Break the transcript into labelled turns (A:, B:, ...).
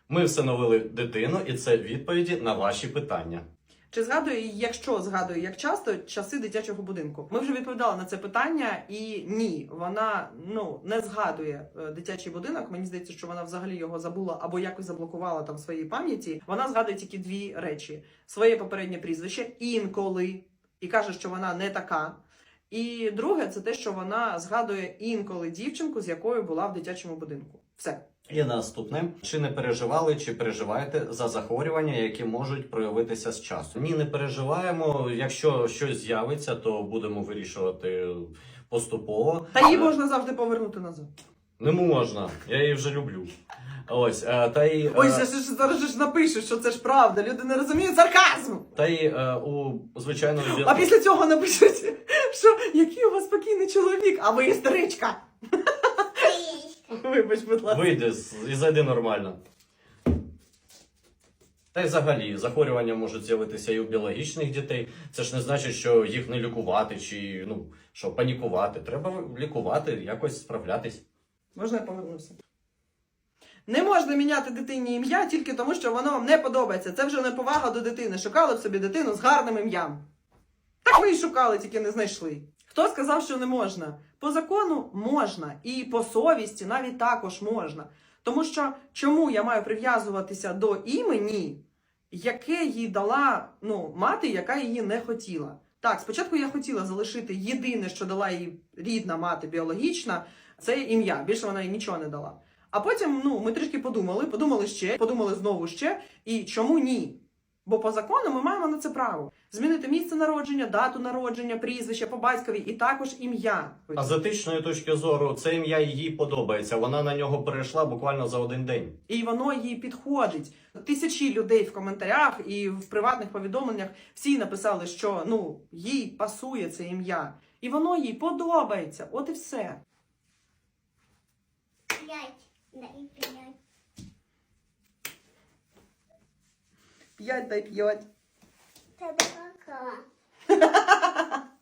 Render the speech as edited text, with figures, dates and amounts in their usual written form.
A: Ми всиновили дитину, і це відповіді на ваші питання.
B: Чи згадує, якщо згадує, як часто, часи дитячого будинку? Ми вже відповідали на це питання, і ні, вона не згадує дитячий будинок. Мені здається, що вона взагалі його забула або якось заблокувала там в своїй пам'яті. Вона згадує тільки дві речі: своє попереднє прізвище інколи, і каже, що вона не така. І друге, це те, що вона згадує інколи дівчинку, з якою була в дитячому будинку. Все.
A: І наступне. Чи не переживали, чи переживаєте за захворювання, які можуть проявитися з часу? Ні, не переживаємо. Якщо щось з'явиться, то будемо вирішувати поступово.
B: Та її можна завжди повернути назад.
A: Не можна, я її вже люблю. Ось, та й...
B: Ой, зараз ж напишуть, що це ж правда. Люди не розуміють сарказму.
A: Та й у звичайному...
B: А після цього напишуть, що який у вас спокійний чоловік, а ви істеричка. Вибач, будь ласка.
A: Вийди і зайди нормально. Та й взагалі, захворювання можуть з'явитися і у біологічних дітей. Це ж не значить, що їх не лікувати, чи, що панікувати. Треба лікувати, якось справлятись.
B: Можна я повернуся? Не можна міняти дитині ім'я тільки тому, що воно вам не подобається. Це вже неповага до дитини. Шукали б собі дитину з гарним ім'ям. Так ви і шукали, тільки не знайшли. Хто сказав, що не можна? По закону можна. І по совісті навіть також можна. Тому що чому я маю прив'язуватися до імені, яке їй дала мати, яка її не хотіла? Так, спочатку я хотіла залишити єдине, що дала їй рідна мати біологічна, це ім'я. Більше вона їй нічого не дала. А потім, ми трішки подумали ще, подумали знову ще. І чому ні? Бо по закону ми маємо на це право. Змінити місце народження, дату народження, прізвище по батькові і також ім'я.
A: А з етичної точки зору, це ім'я їй подобається. Вона на нього перейшла буквально за один день.
B: І воно їй підходить. Тисячі людей в коментарях і в приватних повідомленнях всі написали, що їй пасує це ім'я. І воно їй подобається. От і все.
C: 5. Дай 5.
B: 5 дай 5.
C: Тебе кака.